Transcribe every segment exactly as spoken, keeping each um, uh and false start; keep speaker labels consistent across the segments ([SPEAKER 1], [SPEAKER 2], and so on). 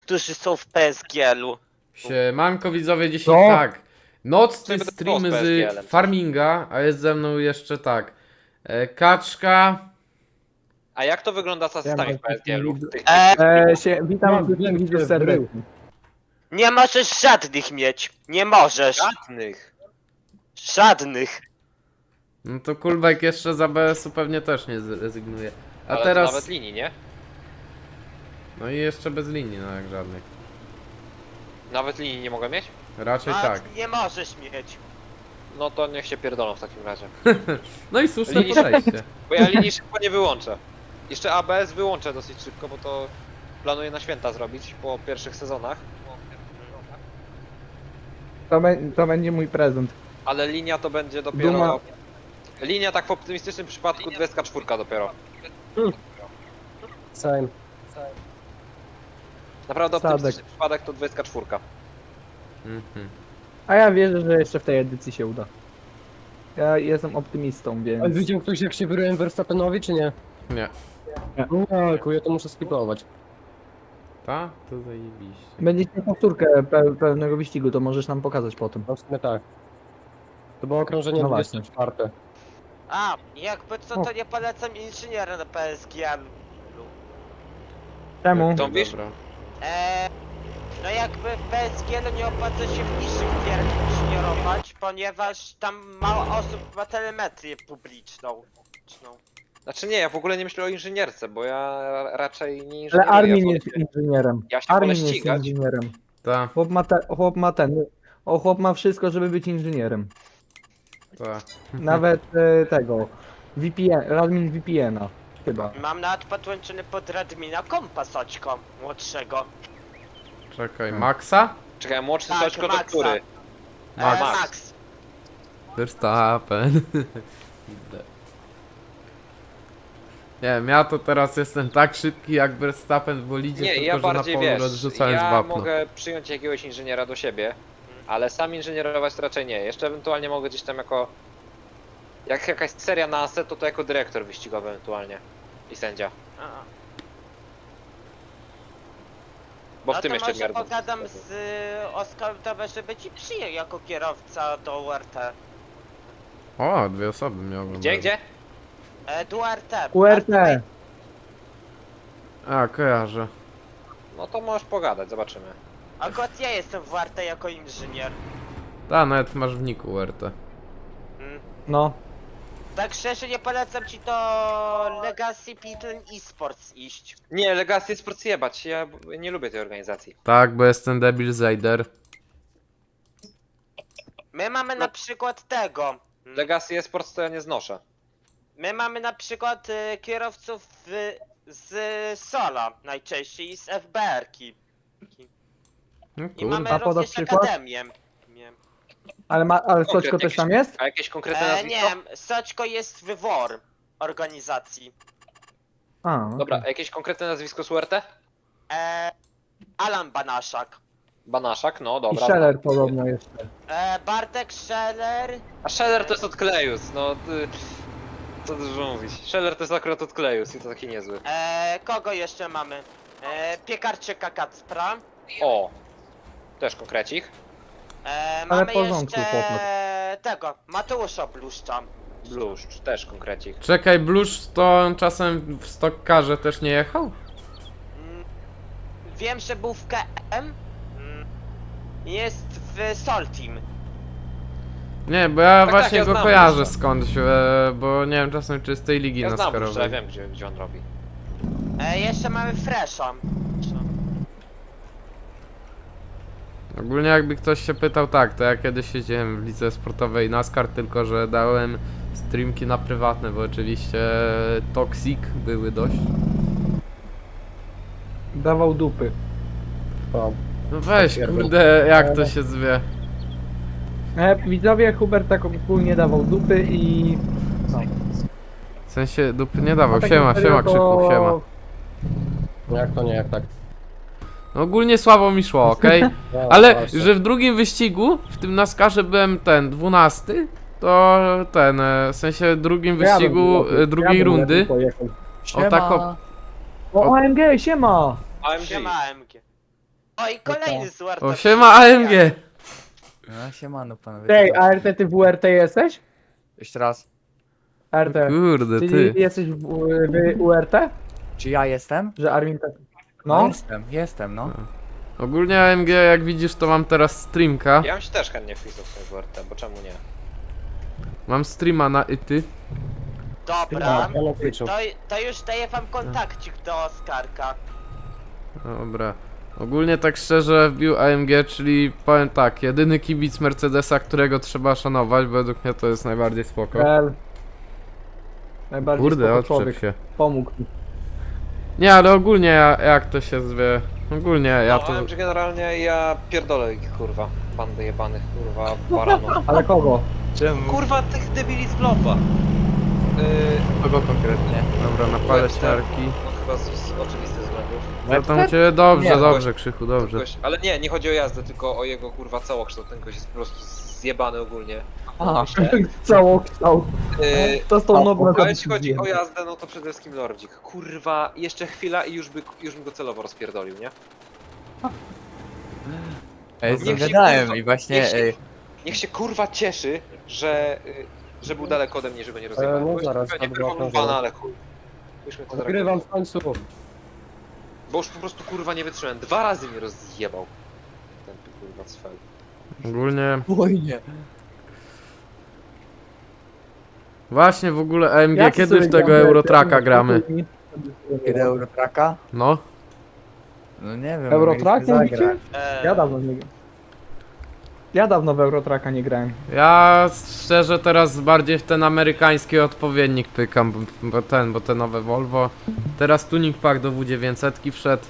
[SPEAKER 1] którzy są w P S G L-u.
[SPEAKER 2] Siemanko widzowie, dzisiaj
[SPEAKER 3] Co?
[SPEAKER 2] tak. Nocny
[SPEAKER 4] będę
[SPEAKER 2] stream
[SPEAKER 4] grał z
[SPEAKER 2] z
[SPEAKER 4] P S G L-em, co?
[SPEAKER 2] farminga, a jest ze mną jeszcze tak. E, Kaczka.
[SPEAKER 4] A jak to wygląda z asystami w P S G L-u? Tych-
[SPEAKER 1] Eee,
[SPEAKER 3] E, się, witam wszystkich widzów serdecznie.
[SPEAKER 1] nie możesz żadnych mieć. Nie możesz.
[SPEAKER 4] Żadnych.
[SPEAKER 1] Żadnych.
[SPEAKER 2] No to Kulbek jeszcze z A B S-u pewnie też nie zrezygnuje. A
[SPEAKER 4] Ale
[SPEAKER 2] teraz.
[SPEAKER 4] to nawet linii, nie?
[SPEAKER 2] No i jeszcze bez linii, no jak żadnych.
[SPEAKER 4] Nawet linii nie mogę mieć?
[SPEAKER 2] Raczej
[SPEAKER 1] A,
[SPEAKER 2] tak.
[SPEAKER 1] Nie możesz mieć.
[SPEAKER 4] No to niech się pierdolą w takim razie.
[SPEAKER 2] No i słuszne
[SPEAKER 4] Linii-
[SPEAKER 2] podejście.
[SPEAKER 4] Bo ja linii szybko nie wyłączę. Jeszcze A B S wyłączę dosyć szybko, bo to planuję na święta zrobić po pierwszych sezonach.
[SPEAKER 3] To, be, to będzie mój prezent.
[SPEAKER 4] Ale linia to będzie dopiero...
[SPEAKER 3] Duma.
[SPEAKER 4] Linia tak w optymistycznym przypadku dwadzieścia cztery dopiero.
[SPEAKER 5] Same.
[SPEAKER 4] Naprawdę
[SPEAKER 3] Sadek.
[SPEAKER 4] optymistyczny przypadek to dwadzieścia cztery.
[SPEAKER 2] Mhm.
[SPEAKER 3] A ja wierzę, że jeszcze w tej edycji się uda. Ja jestem optymistą,
[SPEAKER 5] A
[SPEAKER 3] więc...
[SPEAKER 5] widział ktoś jak się wyryłem Verstappenowi, czy nie?
[SPEAKER 2] Nie.
[SPEAKER 5] No, ja to muszę skipować.
[SPEAKER 2] Ta? To zajebiście.
[SPEAKER 3] Będziesz miał powtórkę pe pewnego wyścigu, to możesz nam pokazać potem.
[SPEAKER 5] No w sumie tak. To było okrążenie
[SPEAKER 3] No
[SPEAKER 5] dwudzieste czwarte.
[SPEAKER 1] A, jakby co, to nie polecam inżyniera na P S G L-u.
[SPEAKER 3] Czemu?
[SPEAKER 4] To wiesz?
[SPEAKER 2] Dobra.
[SPEAKER 1] Eee, no jakby w P S G L-u nie opłaca się w niższych gierach inżynierować, ponieważ tam mało osób ma telemetrię publiczną.
[SPEAKER 4] Znaczy nie, ja w ogóle nie myślę o inżynierce, bo ja raczej nie
[SPEAKER 3] Ale
[SPEAKER 4] inżynieruję.
[SPEAKER 3] Armin
[SPEAKER 4] ja
[SPEAKER 3] jest
[SPEAKER 4] wolę-
[SPEAKER 3] inżynierem.
[SPEAKER 4] Ja się wolę
[SPEAKER 3] Armin jest
[SPEAKER 4] ścigać.
[SPEAKER 3] inżynierem.
[SPEAKER 2] Ta,
[SPEAKER 3] Chłop ma, te, chłop ma ten... O, chłop ma wszystko, żeby być inżynierem.
[SPEAKER 2] ta.
[SPEAKER 3] Nawet e, tego... V P N, Radmin V P N-a. Chyba.
[SPEAKER 1] Mam nawet podłączony pod Radmina kompa Soćko młodszego.
[SPEAKER 2] Czekaj, Maxa?
[SPEAKER 4] Czekaj, młodszy
[SPEAKER 1] Tak,
[SPEAKER 4] Soćko to
[SPEAKER 1] Maxa.
[SPEAKER 4] który?
[SPEAKER 1] Eee,
[SPEAKER 4] Max.
[SPEAKER 1] Max.
[SPEAKER 2] Verstappen. Nie wiem, ja to teraz jestem tak szybki jak Verstappen w bolidzie,
[SPEAKER 4] Nie,
[SPEAKER 2] tylko
[SPEAKER 4] ja
[SPEAKER 2] że na
[SPEAKER 4] bardziej
[SPEAKER 2] polu
[SPEAKER 4] wiesz,
[SPEAKER 2] rozrzucając
[SPEAKER 4] ja
[SPEAKER 2] wapno.
[SPEAKER 4] mogę przyjąć jakiegoś inżyniera do siebie, ale sam inżynierować to raczej nie. Jeszcze ewentualnie mogę gdzieś tam jako... Jak jakaś seria na Assetto, to jako dyrektor wyścigowy ewentualnie. I sędzia.
[SPEAKER 1] A.
[SPEAKER 4] Bo w
[SPEAKER 1] No
[SPEAKER 4] tym
[SPEAKER 1] to
[SPEAKER 4] jeszcze
[SPEAKER 1] może
[SPEAKER 4] miarę.
[SPEAKER 1] pogadam z y, Oskarem, żeby ci przyjął jako kierowca do U R T.
[SPEAKER 2] O, dwie osoby mnie oglądają.
[SPEAKER 4] Gdzie, gdzie?
[SPEAKER 1] E, do U R T.
[SPEAKER 3] U R T.
[SPEAKER 2] A, kojarzę.
[SPEAKER 4] No to możesz pogadać, zobaczymy.
[SPEAKER 1] Akurat ja jestem w U R T jako inżynier.
[SPEAKER 2] Ta, nawet masz w niku U R T.
[SPEAKER 1] Mm.
[SPEAKER 3] No.
[SPEAKER 1] Tak szczerze nie polecam ci do Legacy Pitlen Esports iść.
[SPEAKER 4] Nie, Legacy Sports jebać, ja nie lubię tej organizacji.
[SPEAKER 2] Tak, bo jestem debil Zayder.
[SPEAKER 1] My mamy na przykład tego. Mm.
[SPEAKER 4] Legacy Sports to ja nie znoszę.
[SPEAKER 1] My mamy na przykład y, kierowców y, z Sola najczęściej i z F B R-ki.
[SPEAKER 2] No
[SPEAKER 1] I
[SPEAKER 2] kurwa.
[SPEAKER 1] mamy
[SPEAKER 3] A podasz
[SPEAKER 1] również
[SPEAKER 3] przykład?
[SPEAKER 1] Akademię. Nie,
[SPEAKER 3] Ale, ma, ale Soćko
[SPEAKER 4] Konkretnie
[SPEAKER 3] też tam
[SPEAKER 4] jakieś-
[SPEAKER 3] jest?
[SPEAKER 4] A jakieś konkretne
[SPEAKER 1] e,
[SPEAKER 4] nazwisko?
[SPEAKER 1] nie, Soćko jest w W O R organizacji.
[SPEAKER 3] A, okay.
[SPEAKER 4] Dobra, a jakieś konkretne nazwisko z U R T?
[SPEAKER 1] E, Alan Banaszak.
[SPEAKER 4] Banaszak, no
[SPEAKER 3] I
[SPEAKER 4] dobra.
[SPEAKER 3] Scheller podobno jeszcze.
[SPEAKER 1] E, Bartek Scheller.
[SPEAKER 4] A Scheller to jest od Klejus, no ty... Co dużo mówić. Scheller to jest akurat od Klejus i to taki niezły.
[SPEAKER 1] E, kogo jeszcze mamy? E, Piekarczyka Kacpra.
[SPEAKER 4] O! Też konkrecik.
[SPEAKER 1] E,
[SPEAKER 3] Ale
[SPEAKER 1] mamy
[SPEAKER 3] w porządku,
[SPEAKER 1] jeszcze
[SPEAKER 3] chłopak.
[SPEAKER 1] tego, Mateusza Bluszcza.
[SPEAKER 4] Bluszcz, też konkrecik.
[SPEAKER 2] Czekaj, Blusz to on czasem w Stockcarze też nie jechał?
[SPEAKER 1] Mm, wiem, że był w K M. Mm, jest w Sol Team.
[SPEAKER 2] Nie, bo ja
[SPEAKER 4] Tak, tak,
[SPEAKER 2] właśnie
[SPEAKER 4] ja
[SPEAKER 2] go
[SPEAKER 4] znam
[SPEAKER 2] kojarzę
[SPEAKER 4] Blusza.
[SPEAKER 2] skądś, e, bo nie wiem czasem czy z tej ligi
[SPEAKER 4] Ja znam Bluszcza, ja
[SPEAKER 2] naskarowej.
[SPEAKER 4] wiem gdzie, gdzie on robi.
[SPEAKER 1] E, jeszcze mamy Fresha.
[SPEAKER 2] Ogólnie jakby ktoś się pytał, tak, to ja kiedyś siedziałem w lidze sportowej NASCAR, tylko że dałem streamki na prywatne, bo oczywiście toxic były dość.
[SPEAKER 3] Dawał dupy.
[SPEAKER 5] O,
[SPEAKER 2] No weź,
[SPEAKER 5] Tak,
[SPEAKER 2] kurde, jak to się zwie.
[SPEAKER 3] E, widzowie, Hubert tak ogólnie dawał dupy i... No.
[SPEAKER 2] W sensie dupy nie dawał,
[SPEAKER 3] A tak
[SPEAKER 2] siema,
[SPEAKER 3] na serio
[SPEAKER 2] siema
[SPEAKER 3] to-
[SPEAKER 2] Krzyku, siema.
[SPEAKER 5] jak to nie, jak tak.
[SPEAKER 2] No ogólnie słabo mi szło, okej?
[SPEAKER 5] No,
[SPEAKER 2] Ale,
[SPEAKER 5] właśnie.
[SPEAKER 2] że w drugim wyścigu, w tym NASCARze byłem ten, dwunasty, to ten, e, w sensie drugim
[SPEAKER 3] Ja bym
[SPEAKER 2] wyścigu
[SPEAKER 3] lepiej-
[SPEAKER 2] e, drugiej
[SPEAKER 3] ja bym
[SPEAKER 2] rundy.
[SPEAKER 3] lepiej pojechał.
[SPEAKER 2] O tak o,
[SPEAKER 3] O, O M G, siema!
[SPEAKER 4] A M G.
[SPEAKER 1] Siema A M G. O i kolejny z U R T.
[SPEAKER 2] O, siema A M G!
[SPEAKER 6] No siemano panowie.
[SPEAKER 3] Ej,
[SPEAKER 6] co tam?
[SPEAKER 3] A R T ty w U R T jesteś?
[SPEAKER 6] Jeszcze raz.
[SPEAKER 3] A R T.
[SPEAKER 2] Kurde,
[SPEAKER 3] Czyli
[SPEAKER 2] ty.
[SPEAKER 3] jesteś w, w U R T?
[SPEAKER 6] Czy ja jestem?
[SPEAKER 3] Że Armin tak...
[SPEAKER 6] No
[SPEAKER 3] No?
[SPEAKER 6] jestem, jestem no.
[SPEAKER 2] Ogólnie A M G, jak widzisz, to mam teraz streamka.
[SPEAKER 4] Ja bym się też chętnie wpisał w swojego R T, bo czemu nie?
[SPEAKER 2] Mam streama na Ity.
[SPEAKER 1] Dobra.
[SPEAKER 5] Ja na Twitchu.
[SPEAKER 1] To, to już daję wam kontakcik do Oskarka.
[SPEAKER 2] Dobra. Ogólnie tak szczerze wbił A M G, czyli powiem tak, jedyny kibic Mercedesa, którego trzeba szanować, według mnie to jest najbardziej spoko.
[SPEAKER 3] L. Najbardziej
[SPEAKER 2] Kurde,
[SPEAKER 3] spoko
[SPEAKER 2] odczep
[SPEAKER 3] człowiek.
[SPEAKER 2] się.
[SPEAKER 3] Pomógł mi.
[SPEAKER 2] Nie, ale ogólnie ja- jak to się zwie... Ogólnie ja
[SPEAKER 4] Ja
[SPEAKER 2] to...
[SPEAKER 4] no, że generalnie ja pierdolę ich kurwa, bandy jebanych kurwa baranów.
[SPEAKER 3] Ale kogo?
[SPEAKER 6] Czemu?
[SPEAKER 4] Kurwa tych debili z blopa. Yy,
[SPEAKER 6] Kogo konkretnie?
[SPEAKER 2] Dobra, napalę
[SPEAKER 4] Webster.
[SPEAKER 2] śmiarki.
[SPEAKER 4] no chyba z, z oczywistych względów.
[SPEAKER 2] Ja tam u ciebie dobrze,
[SPEAKER 3] Nie,
[SPEAKER 2] dobrze, Krzychu, dobrze.
[SPEAKER 4] Gość, ale nie, nie chodzi o jazdę, tylko o jego kurwa całokształt. Ten gość jest po prostu zjebany ogólnie.
[SPEAKER 6] Aha.
[SPEAKER 4] Myślę.
[SPEAKER 3] Całokształt.
[SPEAKER 4] Yy,
[SPEAKER 3] To z tą nową
[SPEAKER 4] a jeśli chodzi o jazdę, no to przede wszystkim Lordzik. Kurwa, jeszcze chwila i już, by, już bym go celowo rozpierdolił, nie?
[SPEAKER 6] Ej,
[SPEAKER 4] Niech się,
[SPEAKER 6] zagadałem
[SPEAKER 4] kurwa,
[SPEAKER 6] i właśnie
[SPEAKER 4] niech się,
[SPEAKER 6] ej,
[SPEAKER 4] niech się kurwa cieszy, że, y, że był daleko ode mnie, żeby nie rozjebał.
[SPEAKER 5] E, no
[SPEAKER 4] Bo
[SPEAKER 5] zaraz,
[SPEAKER 4] nie
[SPEAKER 5] to było
[SPEAKER 4] performowana,
[SPEAKER 5] okrążenie.
[SPEAKER 4] ale chuj. Byśmy to
[SPEAKER 5] Odgrywam w końcu.
[SPEAKER 4] Bo już po prostu kurwa nie wytrzymałem. Dwa razy mnie rozjebał. Ten kurwa cfel.
[SPEAKER 2] Ogólnie...
[SPEAKER 6] spokojnie.
[SPEAKER 2] Właśnie w ogóle A M G, kiedy w tego Eurotraka gramy?
[SPEAKER 6] Kiedy Eurotraka?
[SPEAKER 2] No.
[SPEAKER 6] No nie wiem.
[SPEAKER 3] Eurotrack
[SPEAKER 6] mogliśmy
[SPEAKER 3] mówicie?
[SPEAKER 6] zagrać.
[SPEAKER 1] Eee,
[SPEAKER 3] Ja dawno nie grałem. Ja dawno w Eurotraka nie grałem.
[SPEAKER 2] Ja szczerze teraz bardziej w ten amerykański odpowiednik pykam, bo- bo ten, bo te nowe Volvo. Teraz tuning pack do W dziewięćset wszedł.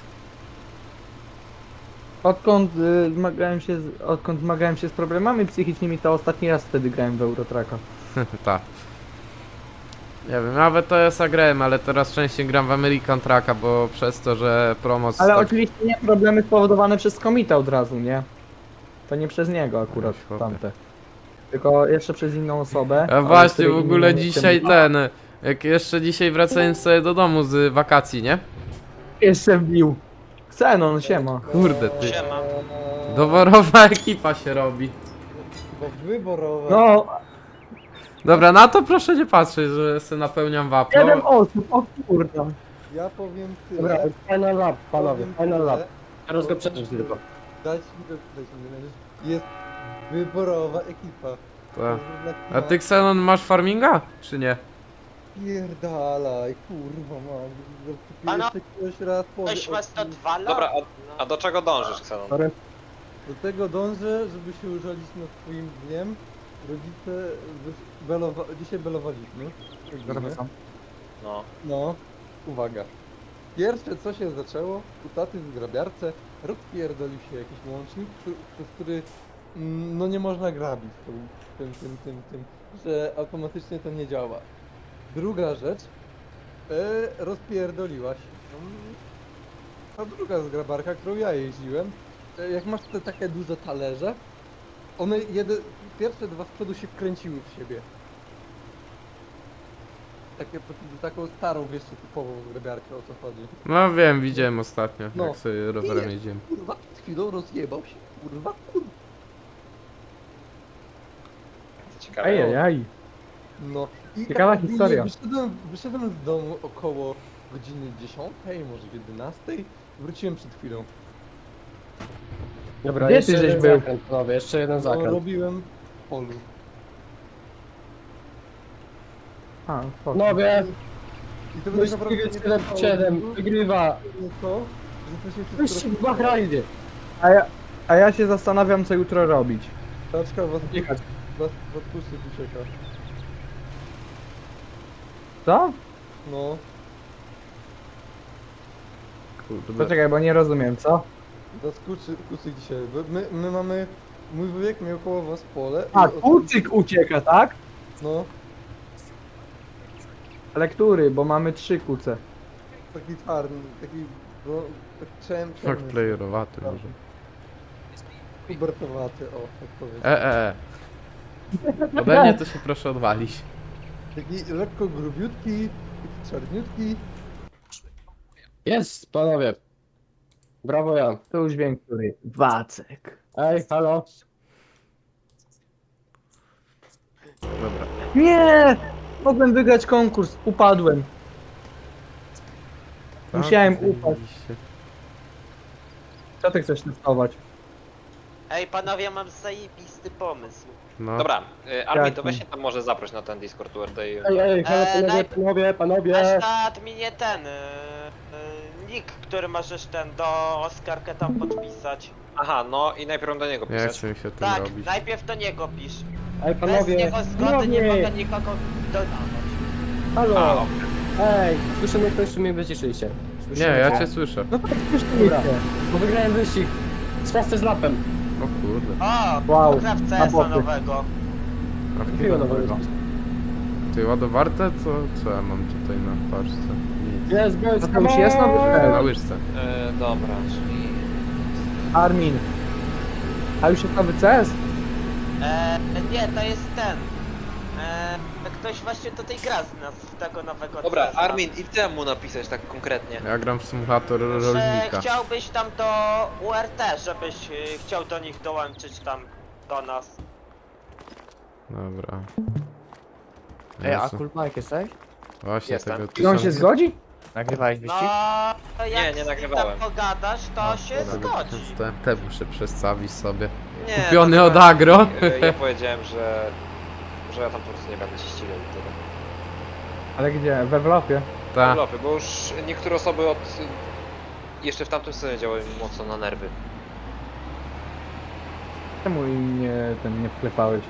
[SPEAKER 3] Odkąd y, zmagałem się z, odkąd zmagałem się z problemami psychicznymi, to ostatni raz wtedy grałem w Eurotraka.
[SPEAKER 2] Tak. Nie wiem, nawet to jest grałem, ale teraz częściej gram w American Trucka, bo przez to, że promoc
[SPEAKER 3] Ale
[SPEAKER 2] tak...
[SPEAKER 3] oczywiście nie problemy spowodowane przez komita od razu, nie? To nie przez niego akurat
[SPEAKER 2] Oj, chłopie.
[SPEAKER 3] tamte. Tylko jeszcze przez inną osobę.
[SPEAKER 2] A
[SPEAKER 3] ale
[SPEAKER 2] właśnie,
[SPEAKER 3] której
[SPEAKER 2] w ogóle
[SPEAKER 3] imię nie
[SPEAKER 2] dzisiaj
[SPEAKER 3] chcę-
[SPEAKER 2] ten... Jak jeszcze dzisiaj wracałem sobie do domu z wakacji, nie?
[SPEAKER 3] Jeszcze wbił. Xenon, siema.
[SPEAKER 2] Kurde ty.
[SPEAKER 1] Siema.
[SPEAKER 2] Doworowa ekipa się robi.
[SPEAKER 7] Bo wyborowe.
[SPEAKER 3] No,
[SPEAKER 2] Dobra, na to proszę nie patrzeć, że se napełniam wapno.
[SPEAKER 3] siedem osób, o kurda.
[SPEAKER 7] Ja powiem tyle.
[SPEAKER 5] Dobra, final lap, panowie,
[SPEAKER 7] powiem
[SPEAKER 5] final
[SPEAKER 7] tyle.
[SPEAKER 5] lap. Teraz go przeżyć tylko.
[SPEAKER 7] Dać mi to, dać mi to. Jest wyborowa ekipa.
[SPEAKER 2] Tak. A ty Xenon masz farminga? Czy nie?
[SPEAKER 7] Pierdalaj, kurwa mam.
[SPEAKER 1] Pana-
[SPEAKER 7] Jeszcze ktoś raz powie.
[SPEAKER 1] Ktoś
[SPEAKER 7] o
[SPEAKER 1] was to
[SPEAKER 7] tym.
[SPEAKER 1] dwa lata.
[SPEAKER 4] Dobra, a, a do czego dążysz, Xenon?
[SPEAKER 5] Sorry.
[SPEAKER 7] Do tego dążę, żeby się użalić nad twoim dniem. Rodzice wy- belowa... dzisiaj belowaliśmy.
[SPEAKER 6] Zrobię sam.
[SPEAKER 4] No.
[SPEAKER 7] No, uwaga. Pierwsze co się zaczęło, u taty w grabiarce rozpierdolił się jakiś łącznik, który, przez który mm, no nie można grabić tą, tym, tym, tym, tym, że automatycznie to nie działa. Druga rzecz, e, rozpierdoliła się. Mm, A druga zgrabarka, którą ja jeździłem, e, jak masz te takie duże talerze, one jedy, pierwsze dwa z przodu się wkręciły w siebie. Takie, taką starą, wiesz, typową zgrabiarkę, o co chodzi.
[SPEAKER 2] No wiem, widziałem ostatnio,
[SPEAKER 7] No.
[SPEAKER 2] jak sobie rowerem
[SPEAKER 7] Nie.
[SPEAKER 2] jeździłem.
[SPEAKER 7] Kurwa, przed chwilą rozjebał się, kurwa, kurwa.
[SPEAKER 4] Ciekawe.
[SPEAKER 3] Ajajaj.
[SPEAKER 7] No. I
[SPEAKER 3] Ciekawa
[SPEAKER 7] tak
[SPEAKER 3] historia.
[SPEAKER 7] Wyszedłem, wyszedłem z domu około godziny dziesiątej, może jedenastej. Wróciłem przed chwilą.
[SPEAKER 5] Dobra,
[SPEAKER 3] Gdzie
[SPEAKER 5] jeszcze
[SPEAKER 3] ty żeś
[SPEAKER 5] jeden
[SPEAKER 3] był?
[SPEAKER 5] zakręt, panowie, jeszcze jeden
[SPEAKER 7] No,
[SPEAKER 5] zakręt.
[SPEAKER 7] robiłem w polu.
[SPEAKER 3] A, spoko.
[SPEAKER 5] Panowie,
[SPEAKER 7] I to
[SPEAKER 5] wyścig siedem siedem, wygrywa.
[SPEAKER 7] to, że to się
[SPEAKER 5] Wyścig
[SPEAKER 7] wszystko
[SPEAKER 5] w Bahrajnie.
[SPEAKER 3] A ja, a ja się zastanawiam, co jutro robić.
[SPEAKER 7] Taczka was,
[SPEAKER 5] Jechać.
[SPEAKER 7] was, was pusty ucieka.
[SPEAKER 3] Co?
[SPEAKER 7] No.
[SPEAKER 2] Kurde.
[SPEAKER 3] Poczekaj, bo nie rozumiem, co?
[SPEAKER 7] Was kucy, kucy dzisiaj. Bo My, my mamy... Mój wujek miał koło was pole.
[SPEAKER 3] A,
[SPEAKER 7] i-
[SPEAKER 3] kucyk ucieka, tak?
[SPEAKER 7] No.
[SPEAKER 3] Ale który? Bo mamy trzy kuce.
[SPEAKER 7] Taki czarny, taki... No, tak czem,
[SPEAKER 2] Tak
[SPEAKER 7] czarny.
[SPEAKER 2] playerowaty może.
[SPEAKER 7] Kubertowaty, o, tak powiem.
[SPEAKER 2] E, e, e. Ode mnie to się proszę odwalić.
[SPEAKER 7] Taki lekko grubiutki, taki czarniutki.
[SPEAKER 5] Jest, panowie. Brawo ja.
[SPEAKER 3] To już wiem, który. Wacek.
[SPEAKER 5] Ej, halo.
[SPEAKER 2] Dobra.
[SPEAKER 3] Nie! Mogłem wygrać konkurs, upadłem. Musiałem
[SPEAKER 2] Tak,
[SPEAKER 3] upaść.
[SPEAKER 2] zajebiście.
[SPEAKER 3] Co ty chcesz testować?
[SPEAKER 1] Ej, panowie, mam zajebisty pomysł.
[SPEAKER 2] No.
[SPEAKER 4] Dobra, y, Armin, to
[SPEAKER 3] Jaki?
[SPEAKER 4] weź się tam może zaproś na ten Discord U R T i...
[SPEAKER 5] Ej, ej, halo,
[SPEAKER 1] Eee,
[SPEAKER 5] panowie,
[SPEAKER 1] najp-
[SPEAKER 5] panowie, panowie.
[SPEAKER 1] Masz na adminie ten, yy, yy, nick, który możesz ten do Oskarkę tam podpisać.
[SPEAKER 4] Aha, no i najpierw do niego
[SPEAKER 2] Nie
[SPEAKER 4] pisać.
[SPEAKER 2] chcę mi się tym
[SPEAKER 1] Tak,
[SPEAKER 2] robić.
[SPEAKER 1] najpierw do niego pisz.
[SPEAKER 5] Ej,
[SPEAKER 1] Bez
[SPEAKER 5] panowie.
[SPEAKER 1] jego zgody nie
[SPEAKER 5] Panowie.
[SPEAKER 1] mogę nikogo dodawać.
[SPEAKER 5] Halo.
[SPEAKER 4] A,
[SPEAKER 5] Ej, słyszę mnie ktoś, czy mnie wyciszyliście?
[SPEAKER 2] Nie,
[SPEAKER 5] Słyszycie
[SPEAKER 2] ja
[SPEAKER 5] mnie?
[SPEAKER 2] cię słyszę.
[SPEAKER 3] No to już tu
[SPEAKER 5] Dobra.
[SPEAKER 3] idzie.
[SPEAKER 5] Bo wygrałem wyścig. Z fastest lapem.
[SPEAKER 2] O kurde.
[SPEAKER 1] O,
[SPEAKER 3] Wow,
[SPEAKER 1] popraw
[SPEAKER 3] na
[SPEAKER 1] C S a
[SPEAKER 3] boty.
[SPEAKER 1] nowego.
[SPEAKER 5] Jakiego nowego?
[SPEAKER 2] Ty ładowarte? Co, co ja mam tutaj na paczce? Nic.
[SPEAKER 5] Jest, boys,
[SPEAKER 3] No to już jest nowy
[SPEAKER 2] Na
[SPEAKER 3] cel.
[SPEAKER 2] łyżce.
[SPEAKER 4] y, dobra, czyli...
[SPEAKER 3] Armin. A już jest nowy C S?
[SPEAKER 1] Eee, nie, to jest ten. Eee, ktoś właśnie tutaj gra z nas, z tego nowego
[SPEAKER 4] Dobra,
[SPEAKER 1] C S a.
[SPEAKER 4] Armin, i chcę mu napisać tak konkretnie.
[SPEAKER 2] Ja gram w symulator
[SPEAKER 1] Że
[SPEAKER 2] rolnika.
[SPEAKER 1] chciałbyś tam do U R T, żebyś y, chciał do nich dołączyć tam do nas.
[SPEAKER 2] Dobra.
[SPEAKER 6] Ej, a
[SPEAKER 2] Jezu.
[SPEAKER 6] Kulmarek jesteś?
[SPEAKER 2] Właśnie
[SPEAKER 4] Jestem.
[SPEAKER 2] tego
[SPEAKER 3] I on się zgodzi?
[SPEAKER 6] Nagrywałeś
[SPEAKER 1] No,
[SPEAKER 6] wyścig?
[SPEAKER 1] to jak
[SPEAKER 4] Nie, nie
[SPEAKER 1] z nim
[SPEAKER 4] nagrywałem.
[SPEAKER 1] tam pogadasz, to się
[SPEAKER 2] Dobra,
[SPEAKER 1] zgodzi.
[SPEAKER 2] Te, te muszę przestawić sobie.
[SPEAKER 4] Nie,
[SPEAKER 2] Kupiony
[SPEAKER 4] to
[SPEAKER 2] od
[SPEAKER 4] chyba-
[SPEAKER 2] Agro.
[SPEAKER 4] y, Ja powiedziałem, że... że ja tam po prostu nie będę się ścigał i tyle.
[SPEAKER 3] Ale gdzie? We Wlopie.
[SPEAKER 2] Ta.
[SPEAKER 4] Urlopy, bo już niektóre osoby od... jeszcze w tamtym sezonie działały mi mocno na nerwy.
[SPEAKER 3] Czemu im nie, ten nie wklepałeś?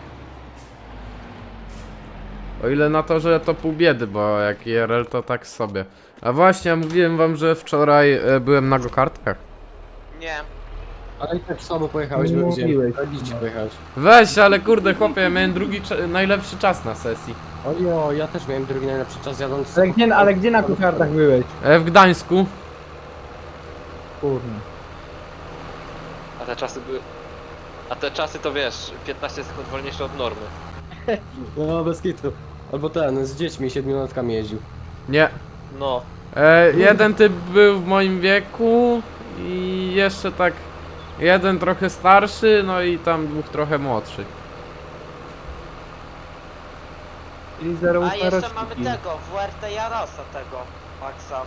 [SPEAKER 2] O ile na to, że to pół biedy, bo jak I R L to tak sobie. A właśnie, mówiłem wam, że wczoraj e, byłem na go-kartkach.
[SPEAKER 1] Nie.
[SPEAKER 5] Ale i tak słabo pojechałeś,
[SPEAKER 3] Nie
[SPEAKER 5] bo
[SPEAKER 3] mówiłeś.
[SPEAKER 5] widziałem. pojechałeś.
[SPEAKER 2] Weź, ale kurde chłopie, ja miałem drugi, cza- najlepszy czas na sesji.
[SPEAKER 5] Ojo, ja też miałem drugi najlepszy czas jadąc.
[SPEAKER 3] Ale gdzie, ale gdzie na kuchartach byłeś?
[SPEAKER 2] E, w Gdańsku.
[SPEAKER 3] Kurde.
[SPEAKER 4] A te czasy były... A te czasy to wiesz, piętnaście sekund wolniejsze od normy.
[SPEAKER 5] No, bez kitu. Albo ten, z dziećmi, siedmiolatkami jeździł.
[SPEAKER 2] Nie.
[SPEAKER 4] No.
[SPEAKER 2] E, jeden typ był w moim wieku i jeszcze tak jeden trochę starszy, no i tam dwóch trochę młodszych.
[SPEAKER 3] Czyli zero
[SPEAKER 1] A jeszcze
[SPEAKER 3] roczki.
[SPEAKER 1] mamy tego, W R T Jarosa tego, Maxa.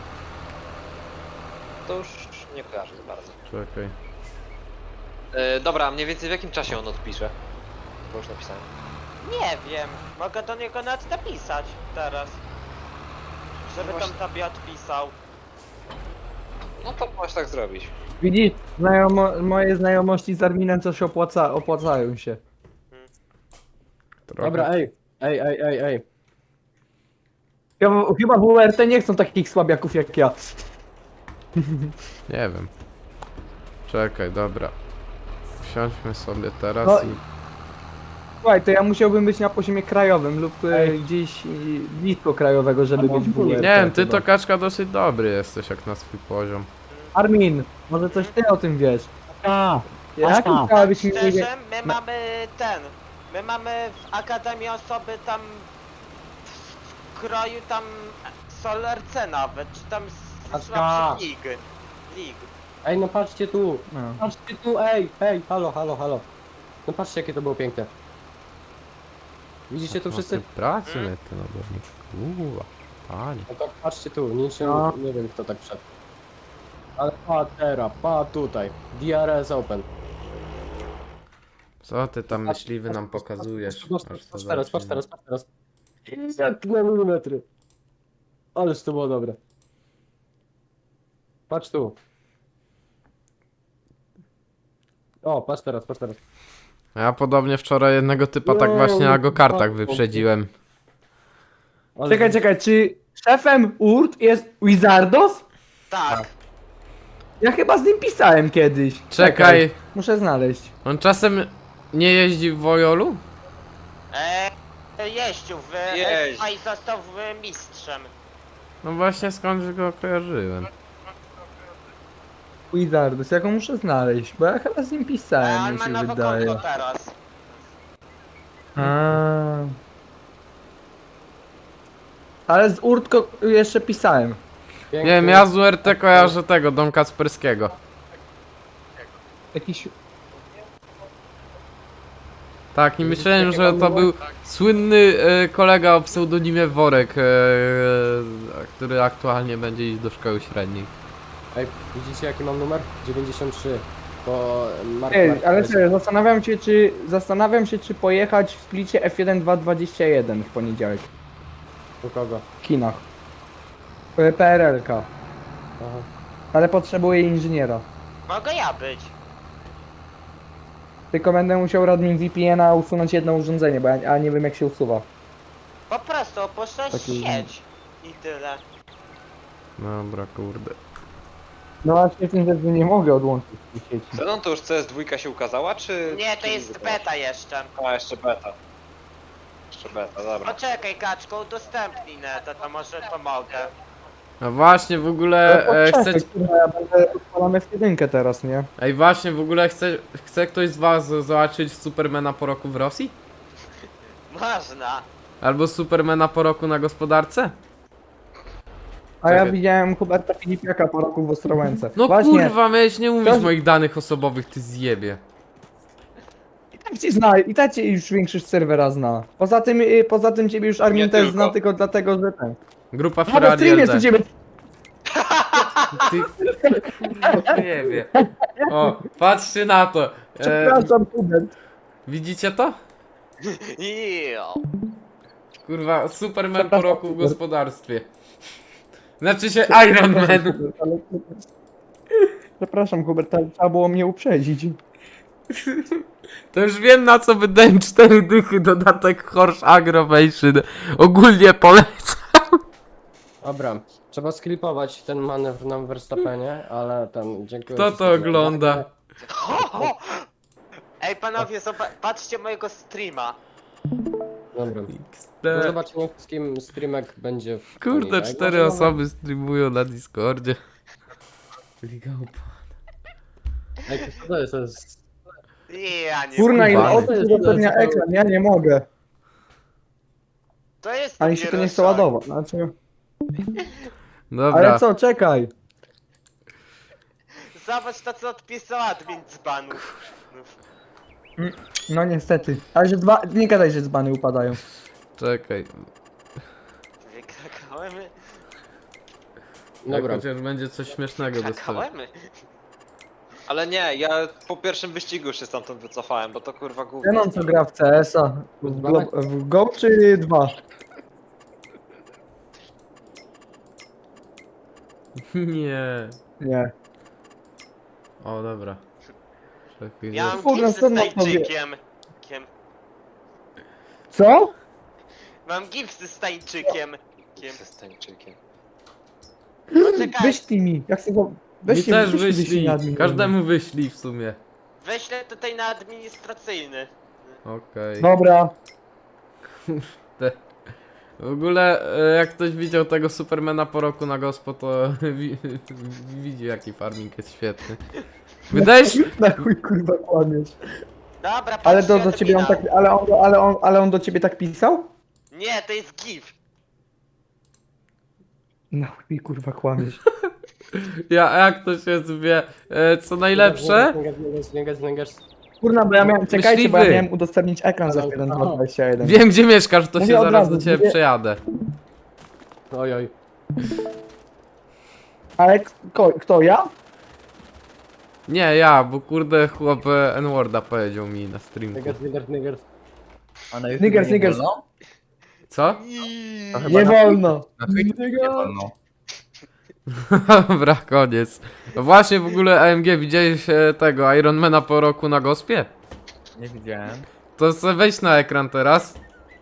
[SPEAKER 4] To już nie kojarzę za bardzo.
[SPEAKER 2] Czekaj.
[SPEAKER 4] E, dobra, mniej więcej w jakim czasie on odpisze? Bo już napisałem.
[SPEAKER 1] Nie wiem, mogę do niego nawet napisać teraz. Żeby tam
[SPEAKER 4] Właśnie.
[SPEAKER 1] tobie odpisał.
[SPEAKER 4] No to możesz tak zrobić.
[SPEAKER 3] Widzisz, znajomo, moje znajomości z Arminem coś opłaca, opłacają się.
[SPEAKER 2] Trochę.
[SPEAKER 5] Dobra, ej, ej, ej, ej, ej.
[SPEAKER 3] Chyba, chyba w U R T nie chcą takich słabiaków jak ja.
[SPEAKER 2] Nie wiem. Czekaj, dobra. Wsiądźmy sobie teraz
[SPEAKER 3] No,
[SPEAKER 2] i...
[SPEAKER 3] Słuchaj, to ja musiałbym być na poziomie krajowym lub e,
[SPEAKER 5] Ej.
[SPEAKER 3] gdzieś e, blisko krajowego, żeby
[SPEAKER 5] Albo
[SPEAKER 3] być w
[SPEAKER 5] w ogóle.
[SPEAKER 3] U R T.
[SPEAKER 2] Nie wiem, ty
[SPEAKER 3] chyba.
[SPEAKER 2] to kaczka dosyć dobry jesteś jak na swój poziom.
[SPEAKER 3] Armin, może coś ty o tym wiesz?
[SPEAKER 5] A,
[SPEAKER 3] Jak
[SPEAKER 5] tam.
[SPEAKER 3] chciałabyś mi powiedzieć?
[SPEAKER 1] Szczerze, my mamy ten. My mamy w Akademii osoby tam w kroju tam Solarce nawet, czy tam z
[SPEAKER 5] Patrz,
[SPEAKER 1] słabszych lig. Lig.
[SPEAKER 5] ej, no patrzcie tu.
[SPEAKER 3] No.
[SPEAKER 5] Patrzcie tu, ej, ej, halo, halo, halo. No patrzcie, jakie to było piękne. Widzicie tu wszyscy?
[SPEAKER 2] Pracy mnie ty na Kurwa, panie.
[SPEAKER 5] No tak, patrzcie tu, niczym,
[SPEAKER 3] No.
[SPEAKER 5] nie wiem kto tak wszedł. Ale pa teraz, pa tutaj. D R S Open.
[SPEAKER 2] Co ty tam myśliwy nam pokazujesz?
[SPEAKER 5] Patrz,
[SPEAKER 2] Aż
[SPEAKER 5] patrz,
[SPEAKER 2] to
[SPEAKER 5] patrz teraz, patrz
[SPEAKER 2] zacznie.
[SPEAKER 5] teraz, patrz teraz. Jak na milimetry. Ależ to było dobre. Patrz tu. O, patrz teraz, patrz teraz.
[SPEAKER 2] Ja podobnie wczoraj jednego typa tak
[SPEAKER 5] Wow,
[SPEAKER 2] właśnie na go-kartach
[SPEAKER 5] bardzo
[SPEAKER 2] wyprzedziłem.
[SPEAKER 5] Ale
[SPEAKER 3] Czekaj, czekaj, czy szefem U R T jest Wizardos?
[SPEAKER 1] Tak.
[SPEAKER 3] Ja chyba z nim pisałem kiedyś.
[SPEAKER 2] Czekaj,
[SPEAKER 3] Muszę znaleźć.
[SPEAKER 2] on czasem nie jeździ w Wojolu?
[SPEAKER 1] Eee, jeździł w
[SPEAKER 4] Jeździ.
[SPEAKER 1] a i został w mistrzem.
[SPEAKER 2] No właśnie skąd go kojarzyłem.
[SPEAKER 3] Wizardos, ja go muszę znaleźć, bo ja chyba z nim
[SPEAKER 1] Eee,
[SPEAKER 3] pisałem,
[SPEAKER 1] on
[SPEAKER 3] mi
[SPEAKER 1] ma
[SPEAKER 3] się
[SPEAKER 1] nowe
[SPEAKER 3] wydaje.
[SPEAKER 1] konto teraz.
[SPEAKER 3] A. Ale z Urtko jeszcze pisałem.
[SPEAKER 2] Nie wiem, ja z U R T kojarzę tego, Dom Kasperskiego.
[SPEAKER 3] Jakiś...
[SPEAKER 2] Tak, i myślałem, że to był słynny e, kolega o pseudonimie Worek, e, e, który aktualnie będzie iść do szkoły średniej.
[SPEAKER 5] Ej, widzicie jaki mam numer? dziewięćdziesiąt trzy. Bo Mark
[SPEAKER 3] Ej,
[SPEAKER 5] Mark
[SPEAKER 3] ale
[SPEAKER 5] jest-
[SPEAKER 3] serio, zastanawiam się, czy... Zastanawiam się, czy pojechać w splicie F jeden dwa dwadzieścia jeden w poniedziałek.
[SPEAKER 5] U kogo?
[SPEAKER 3] W kinach. P R L K.
[SPEAKER 5] Aha.
[SPEAKER 3] Ale potrzebuję inżyniera.
[SPEAKER 1] Mogę ja być.
[SPEAKER 3] Tylko będę musiał radnym V P N a usunąć jedno urządzenie, bo ja, ja nie wiem jak się usuwa.
[SPEAKER 1] Po prostu opuszczać
[SPEAKER 3] Taki-
[SPEAKER 1] sieć. I tyle.
[SPEAKER 2] Dobra, kurde.
[SPEAKER 3] No właśnie w tym rzeczy nie mogę odłączyć tej sieci.
[SPEAKER 4] Zenon to już C S dwa się ukazała, czy...
[SPEAKER 1] Nie, to
[SPEAKER 4] czy
[SPEAKER 1] jest
[SPEAKER 4] nigdy?
[SPEAKER 1] beta jeszcze.
[SPEAKER 4] A, jeszcze beta. Jeszcze beta, dobra.
[SPEAKER 1] Poczekaj, kaczko, udostępnij netę, to może pomogę.
[SPEAKER 2] No właśnie, w ogóle e,
[SPEAKER 3] Poczekaj,
[SPEAKER 2] chcecie...
[SPEAKER 3] kurwa, ja będę odpalamy w jedynkę teraz, nie?
[SPEAKER 2] Ej, właśnie, w ogóle chce, chce ktoś z was zobaczyć Supermana po roku w Rosji?
[SPEAKER 1] Można.
[SPEAKER 2] Albo Supermana po roku na gospodarce?
[SPEAKER 3] A ja
[SPEAKER 2] Czekaj.
[SPEAKER 3] widziałem Huberta Filipiaka po roku w Ostrołęce.
[SPEAKER 2] No
[SPEAKER 3] Właśnie,
[SPEAKER 2] kurwa, miałeś nie mówić
[SPEAKER 3] Ktoś-
[SPEAKER 2] moich danych osobowych, ty zjebie.
[SPEAKER 3] i tak cię zna, i tak cię już większość serwera zna. Poza tym, y, poza tym ciebie już Armin
[SPEAKER 4] Nie
[SPEAKER 3] też
[SPEAKER 4] tylko.
[SPEAKER 3] zna tylko dlatego, że ten.
[SPEAKER 2] Grupa
[SPEAKER 3] A na
[SPEAKER 2] Ferrari
[SPEAKER 3] streamie
[SPEAKER 2] L D.
[SPEAKER 3] co ciebie...
[SPEAKER 2] Ty... Nie wiem. O, patrzcie na to. E,
[SPEAKER 3] Przepraszam, Hubert.
[SPEAKER 2] widzicie to?
[SPEAKER 1] Jo.
[SPEAKER 2] Kurwa, Superman po
[SPEAKER 3] Przepraszam,
[SPEAKER 2] roku w
[SPEAKER 3] Hubert.
[SPEAKER 2] gospodarstwie. Znaczy się Iron Man.
[SPEAKER 3] Hubert, ale... Przepraszam, Hubert, ale trzeba było mnie uprzedzić.
[SPEAKER 2] To już wiem na co wydałem cztery dychy dodatek Horse Aggravation. Ogólnie polecam.
[SPEAKER 5] Dobra, trzeba sklipować ten manewr na Verstappenie, ale tam dziękuję.
[SPEAKER 2] Kto
[SPEAKER 5] ci
[SPEAKER 2] to
[SPEAKER 5] za
[SPEAKER 2] ogląda?
[SPEAKER 5] uwagę.
[SPEAKER 1] Ho, ho. Ej panowie, zoba- patrzcie mojego streama.
[SPEAKER 5] Dobra. Do
[SPEAKER 2] Te-
[SPEAKER 5] zobaczenia wszystkim, streamek będzie w
[SPEAKER 2] Kurde,
[SPEAKER 5] poniedziałek.
[SPEAKER 2] cztery
[SPEAKER 5] Może
[SPEAKER 2] osoby streamują na Discordzie. Liga Opa.
[SPEAKER 5] Ej, co to jest? To jest...
[SPEAKER 1] Ja nie
[SPEAKER 3] Kurna, ile
[SPEAKER 2] Skubany.
[SPEAKER 3] osób udostępnia ekran, ja nie mogę.
[SPEAKER 1] To jest
[SPEAKER 3] Ale się to nie chce
[SPEAKER 1] dopiero
[SPEAKER 3] ładować. Znaczy...
[SPEAKER 2] Dobra.
[SPEAKER 3] Ale co, czekaj.
[SPEAKER 1] szok. Zobacz to co odpisał admin z banów.
[SPEAKER 3] No niestety. Ale że dwa... Nie gadaj, że dzbany upadają.
[SPEAKER 2] Czekaj.
[SPEAKER 1] Wykrakałem.
[SPEAKER 2] Dobra.
[SPEAKER 5] Dobra.
[SPEAKER 2] Chociaż będzie coś śmiesznego dostać.
[SPEAKER 1] Wykrakałem.
[SPEAKER 4] Ale nie, ja po pierwszym wyścigu już się stamtąd wycofałem, bo to kurwa głupie.
[SPEAKER 3] Zenon co gra w C S a. W, Glo- w Go czy dwa?
[SPEAKER 2] Nie.
[SPEAKER 3] Nie.
[SPEAKER 2] O, dobra. Czekaj,
[SPEAKER 1] Ja
[SPEAKER 2] że-
[SPEAKER 1] mam
[SPEAKER 3] Kurna,
[SPEAKER 1] gipsy z
[SPEAKER 3] stąd mam to wie-
[SPEAKER 1] tańczykiem. Kiem.
[SPEAKER 3] Co?
[SPEAKER 1] Mam gipsy z tańczykiem. Kiem.
[SPEAKER 4] Z tańczykiem.
[SPEAKER 1] Poczekaj,
[SPEAKER 3] Wyślij mi. Jak chcę go...
[SPEAKER 2] Mi
[SPEAKER 3] Weźcie
[SPEAKER 2] też
[SPEAKER 3] wyślij
[SPEAKER 2] wyślij.
[SPEAKER 3] na admin.
[SPEAKER 2] Każdemu wyślij w sumie.
[SPEAKER 1] weźlę tutaj na administracyjny.
[SPEAKER 2] Okej.
[SPEAKER 3] Dobra.
[SPEAKER 2] W ogóle, e, jak ktoś widział tego Supermana po roku na gospo, to wi widzi jaki farming jest świetny. Wydaje się...
[SPEAKER 3] Na chuj kurwa kłamiesz.
[SPEAKER 1] Dobra,
[SPEAKER 3] Ale
[SPEAKER 1] patrzcie
[SPEAKER 3] do, do ciebie on
[SPEAKER 1] admina.
[SPEAKER 3] tak... Ale on, ale, on, ale on do ciebie tak pisał?
[SPEAKER 1] Nie, to jest gif.
[SPEAKER 3] Na chuj kurwa kłamiesz.
[SPEAKER 2] Ja, jak to się zwie, e, co najlepsze?
[SPEAKER 5] Niggas, niggas, niggas.
[SPEAKER 3] Kurna, bo ja miałem... Czekajcie, bo ja
[SPEAKER 2] Myśliwy.
[SPEAKER 3] miałem udostępnić ekran za jeden dwa dwadzieścia jeden.
[SPEAKER 2] Wiem gdzie mieszkasz, to się
[SPEAKER 3] Mówię od
[SPEAKER 2] zaraz
[SPEAKER 3] razu,
[SPEAKER 2] do ciebie
[SPEAKER 3] mówię-
[SPEAKER 2] przejadę.
[SPEAKER 5] Oj, oj.
[SPEAKER 3] Ale kto, kto ja?
[SPEAKER 2] Nie, ja, bo kurde chłop e, N-Worda powiedział mi na streamku.
[SPEAKER 5] Niggas, niggas, niggas.
[SPEAKER 6] A na YouTube
[SPEAKER 3] Niggers,
[SPEAKER 6] nie
[SPEAKER 3] niggers.
[SPEAKER 6] wolno?
[SPEAKER 2] Co?
[SPEAKER 6] To chyba
[SPEAKER 3] Nie
[SPEAKER 6] na,
[SPEAKER 3] wolno.
[SPEAKER 6] na Twitchu nie wolno.
[SPEAKER 2] Dobra, koniec. No właśnie w ogóle A M G, widziałeś e, tego Ironmana po roku na gospie?
[SPEAKER 6] Nie widziałem.
[SPEAKER 2] To sobie wejdź na ekran teraz.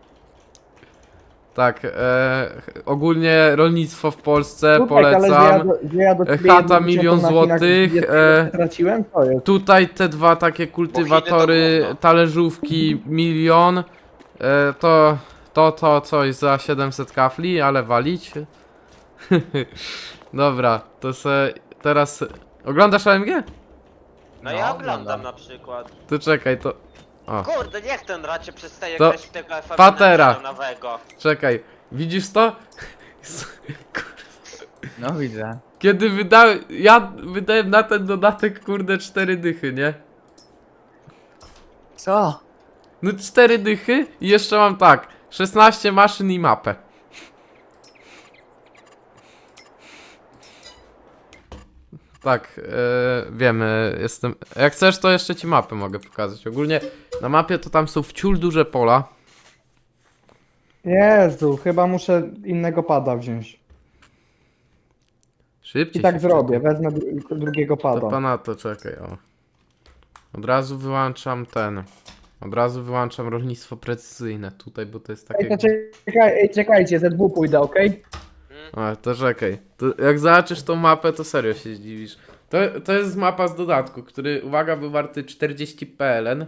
[SPEAKER 2] Tak, e, ogólnie rolnictwo w Polsce
[SPEAKER 3] Słuchaj, ale że ja
[SPEAKER 2] polecam.
[SPEAKER 3] do, że ja do ciebie
[SPEAKER 2] Chata
[SPEAKER 3] jedną
[SPEAKER 2] milion
[SPEAKER 3] dziesiątą na
[SPEAKER 2] złotych,
[SPEAKER 3] Chinach
[SPEAKER 2] e,
[SPEAKER 3] straciłem? To jest.
[SPEAKER 2] Tutaj te dwa takie kultywatory,
[SPEAKER 4] gówno.
[SPEAKER 2] talerzówki milion. E, to, to, to coś za siedemset kafli, ale walić. Dobra, to se teraz... Oglądasz A M G?
[SPEAKER 1] No,
[SPEAKER 6] No,
[SPEAKER 1] ja
[SPEAKER 6] oglądam.
[SPEAKER 1] oglądam na przykład.
[SPEAKER 2] To czekaj, to... O,
[SPEAKER 1] Kurde, niech ten racie przestaje
[SPEAKER 2] To
[SPEAKER 1] grać w tego F
[SPEAKER 2] patera.
[SPEAKER 1] nowego.
[SPEAKER 2] czekaj. Widzisz to?
[SPEAKER 6] No widzę.
[SPEAKER 2] Kiedy wydałem, ja wydałem na ten dodatek kurde cztery dychy, nie?
[SPEAKER 6] Co?
[SPEAKER 2] No cztery dychy i jeszcze mam tak, szesnaście maszyn i mapę. Tak, e, wiemy, jestem... Jak chcesz, to jeszcze ci mapę mogę pokazać. Ogólnie na mapie to tam są wciul duże pola.
[SPEAKER 3] Jezu, chyba muszę innego pada wziąć.
[SPEAKER 2] Szybciej
[SPEAKER 3] I tak
[SPEAKER 2] się
[SPEAKER 3] zrobię,
[SPEAKER 2] czekaj.
[SPEAKER 3] wezmę dru drugiego
[SPEAKER 2] To
[SPEAKER 3] pada.
[SPEAKER 2] pana to czekaj, o. Od razu wyłączam ten. Od razu wyłączam rolnictwo precyzyjne tutaj, bo to jest
[SPEAKER 3] Ej,
[SPEAKER 2] takie...
[SPEAKER 3] to czekaj, ej, czekajcie, ze dwóch pójdę, okej?
[SPEAKER 2] A, to czekaj. To jak zobaczysz tą mapę, to serio się zdziwisz. To, to jest mapa z dodatku, który, uwaga, był warty czterdzieści P L N.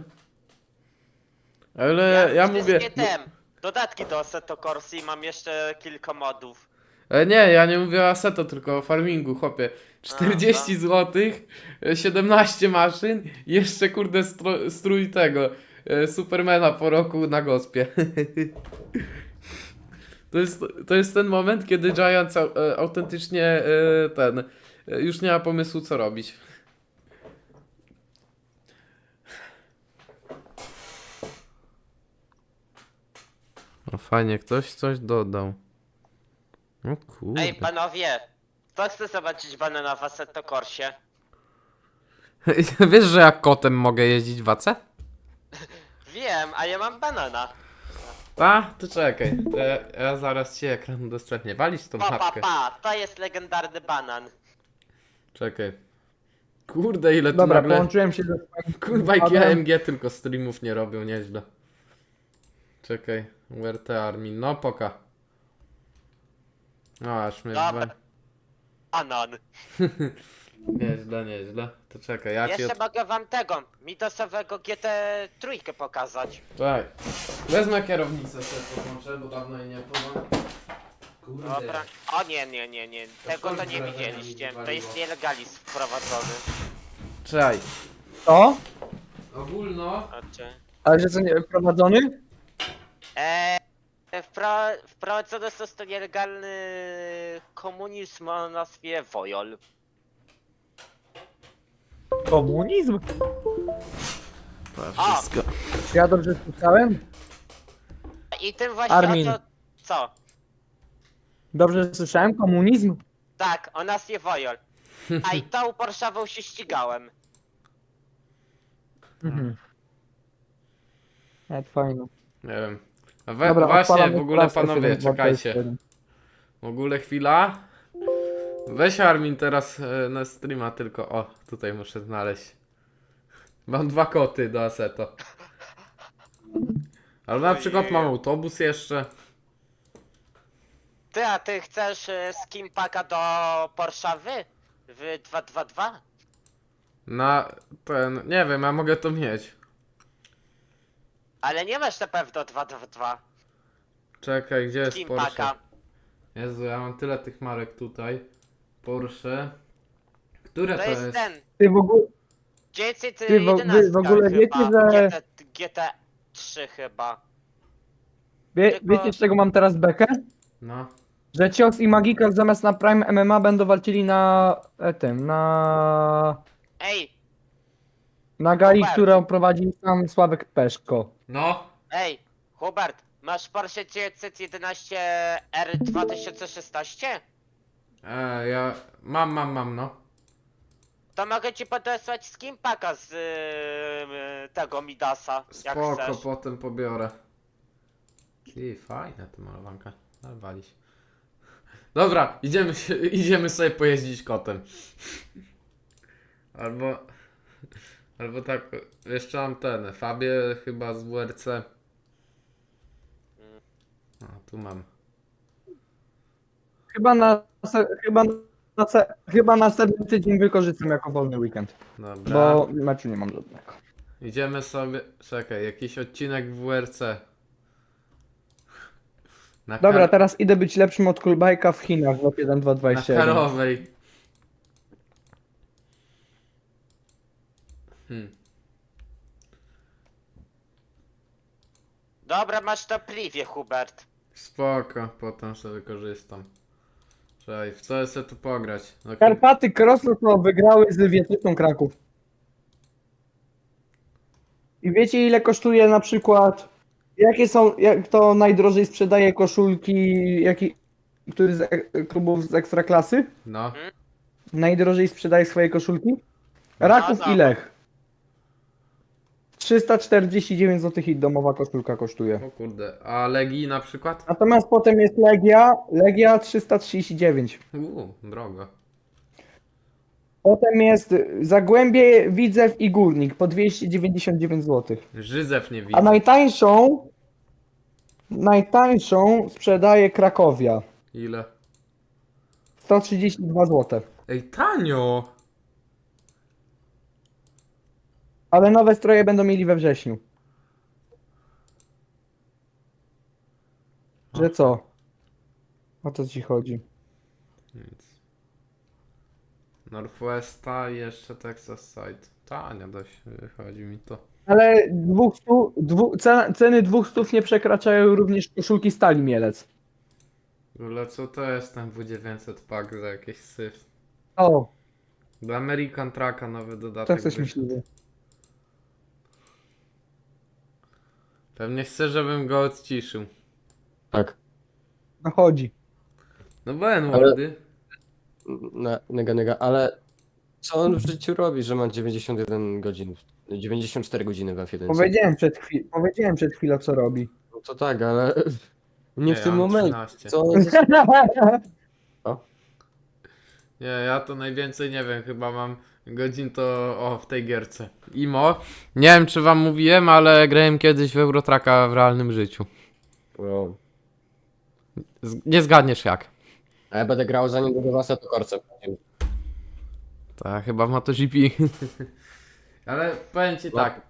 [SPEAKER 2] Ale ja mówię...
[SPEAKER 1] Wszystkie tem. Dodatki do Assetto Corsa i mam jeszcze kilka modów.
[SPEAKER 2] E, nie, ja nie mówię o Assetto, tylko o farmingu, chłopie. czterdzieści złotych, siedemnaście maszyn i jeszcze kurde stro, strój tego e, Supermana po roku na gospie. To jest, to jest ten moment, kiedy Giants au, e, autentycznie e, ten e, już nie ma pomysłu co robić. No fajnie, ktoś coś dodał. No kurde.
[SPEAKER 1] Ej, panowie, kto chce zobaczyć banana w Assetto Corsie?
[SPEAKER 2] Wiesz, że ja kotem mogę jeździć w A C?
[SPEAKER 1] Wiem, a ja mam banana.
[SPEAKER 2] A, to czekaj. To ja, ja zaraz ci ekran udostępnię. Walić tą
[SPEAKER 1] Pa, pa,
[SPEAKER 2] mapkę.
[SPEAKER 1] pa, to jest legendarny banan.
[SPEAKER 2] Czekaj. Kurde, ile tu
[SPEAKER 3] Dobra,
[SPEAKER 2] nagle...
[SPEAKER 3] połączyłem się ze swoim
[SPEAKER 2] Kurwa, jak
[SPEAKER 3] padem.
[SPEAKER 2] A M G tylko streamów nie robią, nieźle. Czekaj. U R T Armin. No, poka. No, aż mnie...
[SPEAKER 1] Dobra.
[SPEAKER 2] Dwa...
[SPEAKER 1] Banan.
[SPEAKER 2] Nieźle, nieźle. To czekaj, ja ci...
[SPEAKER 1] Jeszcze
[SPEAKER 2] Od...
[SPEAKER 1] mogę wam tego, mitosowego G T trzy pokazać.
[SPEAKER 2] Czekaj. Wezmę kierownicę sobie podłączę, bo dawno jej nie podam. Kurde.
[SPEAKER 1] Dobra. O nie, nie, nie, nie. Tego to nie widzieliście. To jest nielegalizm wprowadzony.
[SPEAKER 2] Czekaj.
[SPEAKER 3] Co?
[SPEAKER 2] Ogólno...
[SPEAKER 1] Znaczy...
[SPEAKER 3] Ale że co, nie wprowadzony?
[SPEAKER 1] Eee, wpro, wprowadzony został nielegalny komunizm o nazwie Wojol.
[SPEAKER 3] Komunizm?
[SPEAKER 2] To
[SPEAKER 1] A!
[SPEAKER 2] wszystko.
[SPEAKER 3] Ja dobrze słyszałem?
[SPEAKER 1] I tym właśnie
[SPEAKER 3] Armin.
[SPEAKER 1] o to... Co?
[SPEAKER 3] Dobrze słyszałem? Komunizm?
[SPEAKER 1] Tak, o nazwie Wojol. A i tą Porszawą się ścigałem.
[SPEAKER 3] Mhm. Nawet fajno.
[SPEAKER 2] Nie wiem. A we,
[SPEAKER 3] Dobra,
[SPEAKER 2] właśnie,
[SPEAKER 3] odpalam
[SPEAKER 2] w ogóle
[SPEAKER 3] klasę
[SPEAKER 2] panowie,
[SPEAKER 3] siedem dwa
[SPEAKER 2] czekajcie.
[SPEAKER 3] dwadzieścia jeden.
[SPEAKER 2] W ogóle chwila. Weź Armin teraz e, na streama tylko. O, tutaj muszę znaleźć. Mam dwa koty do Assetto. Ale na przykład mam autobus jeszcze.
[SPEAKER 1] Ty, a ty chcesz e, skin packa do Porszawy? W dwa dwa dwa?
[SPEAKER 2] Na ten. Nie wiem, ja mogę to mieć.
[SPEAKER 1] Ale nie masz na pewno dwa dwa dwa.
[SPEAKER 2] Czekaj, gdzie jest
[SPEAKER 1] Skin
[SPEAKER 2] Porsche?
[SPEAKER 1] packa.
[SPEAKER 2] Jezu, ja mam tyle tych marek tutaj. Porsche. Które
[SPEAKER 1] To
[SPEAKER 2] to
[SPEAKER 1] jest
[SPEAKER 2] jest?
[SPEAKER 1] ten.
[SPEAKER 3] Ty w ogóle...
[SPEAKER 1] dziewięćset
[SPEAKER 3] Ty w- wy
[SPEAKER 1] jedenaście
[SPEAKER 3] w ogóle wiecie,
[SPEAKER 1] chyba.
[SPEAKER 3] że-
[SPEAKER 1] G T, G T trzy chyba.
[SPEAKER 3] Wie,
[SPEAKER 1] Tylko-
[SPEAKER 3] wiecie z czego mam teraz bekę?
[SPEAKER 2] No.
[SPEAKER 3] Że Cios i Magikal zamiast na Prime M M A będą walczyli na e, tym, na...
[SPEAKER 1] Ej,
[SPEAKER 3] na gali,
[SPEAKER 1] Hubert.
[SPEAKER 3] którą prowadzi sam Sławek Peszko.
[SPEAKER 2] No.
[SPEAKER 1] ej, Hubert, masz Porsche dziewięćset jedenaście R dwa tysiące szesnaście?
[SPEAKER 2] E, ja. Mam, mam, mam, no.
[SPEAKER 1] To mogę ci podesłać skin packa z yy, tego Midasa, jak
[SPEAKER 2] Spoko,
[SPEAKER 1] chcesz.
[SPEAKER 2] potem pobiorę. Ty, fajna ta malowanka. Ale walić. Dobra, idziemy, się, idziemy sobie pojeździć kotem. Albo... Albo tak, jeszcze mam ten, Fabię chyba z W R C. A, tu mam.
[SPEAKER 3] Chyba na, se- chyba na, se- chyba następny tydzień wykorzystam jako wolny weekend,
[SPEAKER 2] Dobra.
[SPEAKER 3] bo meczu nie mam żadnego.
[SPEAKER 2] Idziemy sobie... Czekaj, jakiś odcinek w W R C. Na
[SPEAKER 3] Dobra,
[SPEAKER 2] kar-
[SPEAKER 3] teraz idę być lepszym od Kulbajka w Chinach w lot jeden dwa
[SPEAKER 2] Na
[SPEAKER 3] dwadzieścia jeden.
[SPEAKER 2] Karowej. Hmm.
[SPEAKER 1] Dobra, masz to pliwie, Hubert.
[SPEAKER 2] Spoko, potem sobie korzystam. Czekaj, w co chcę tu pograć? No,
[SPEAKER 3] Karpaty Krosno wygrały z Wietryką Kraków. I wiecie ile kosztuje na przykład, jakie są, jak to najdrożej sprzedaje koszulki, jaki, który z e- klubów z Ekstraklasy?
[SPEAKER 2] no.
[SPEAKER 3] Najdrożej sprzedaje swoje koszulki? Raków
[SPEAKER 1] No,
[SPEAKER 3] i Lech. trzysta czterdzieści dziewięć złotych i domowa koszulka kosztuje.
[SPEAKER 2] O kurde, a Legii na przykład?
[SPEAKER 3] Natomiast potem jest Legia, Legia trzysta trzydzieści dziewięć.
[SPEAKER 2] Uuu, drogo.
[SPEAKER 3] Potem jest Zagłębie, Widzew i Górnik po dwieście dziewięćdziesiąt dziewięć złotych.
[SPEAKER 2] Żyzew nie
[SPEAKER 3] A
[SPEAKER 2] widzę.
[SPEAKER 3] najtańszą, najtańszą sprzedaje Krakowia.
[SPEAKER 2] Ile?
[SPEAKER 3] sto trzydzieści dwa złote.
[SPEAKER 2] Ej, tanio!
[SPEAKER 3] Ale nowe stroje będą mieli we wrześniu. Że co? O co ci chodzi?
[SPEAKER 2] Nic. Northwesta i jeszcze Texas Side. Tanio dość wychodzi mi to.
[SPEAKER 3] Ale dwóch stu, dwu, cen, ceny dwóch stów nie przekraczają również koszulki Stali Mielec.
[SPEAKER 2] W ogóle co to jest ten W dziewięćset pack za jakieś syf?
[SPEAKER 3] O,
[SPEAKER 2] Do American Trucka nowy
[SPEAKER 3] tak
[SPEAKER 2] dodatek.
[SPEAKER 3] coś
[SPEAKER 2] wyszedł.
[SPEAKER 3] myśliwy.
[SPEAKER 2] Pewnie chce, żebym go odciszył.
[SPEAKER 5] Tak.
[SPEAKER 3] No chodzi.
[SPEAKER 2] No bo N-wordy.
[SPEAKER 5] Ne, nega, nega, ale co on w życiu robi, że ma dziewięćdziesiąt jeden godzin, dziewięćdziesiąt cztery godziny w F jeden?
[SPEAKER 3] Powiedziałem przed, chwil, powiedziałem przed chwilą co robi.
[SPEAKER 5] No to tak, ale nie,
[SPEAKER 2] Nie,
[SPEAKER 5] w
[SPEAKER 2] ja
[SPEAKER 5] tym
[SPEAKER 2] mam
[SPEAKER 5] momencie.
[SPEAKER 2] trzynaście.
[SPEAKER 5] Co on
[SPEAKER 2] Nie, ja to najwięcej nie wiem, chyba mam godzin to o w tej gierce. Imo. Nie wiem czy wam mówiłem, ale grałem kiedyś w Eurotracka w realnym życiu.
[SPEAKER 5] Wow.
[SPEAKER 2] Z nie zgadniesz jak.
[SPEAKER 5] A ja będę grał za niedługo w Assetto Corsa.
[SPEAKER 2] Tak, chyba w MotoGP. Ale powiem ci
[SPEAKER 5] No.
[SPEAKER 2] tak,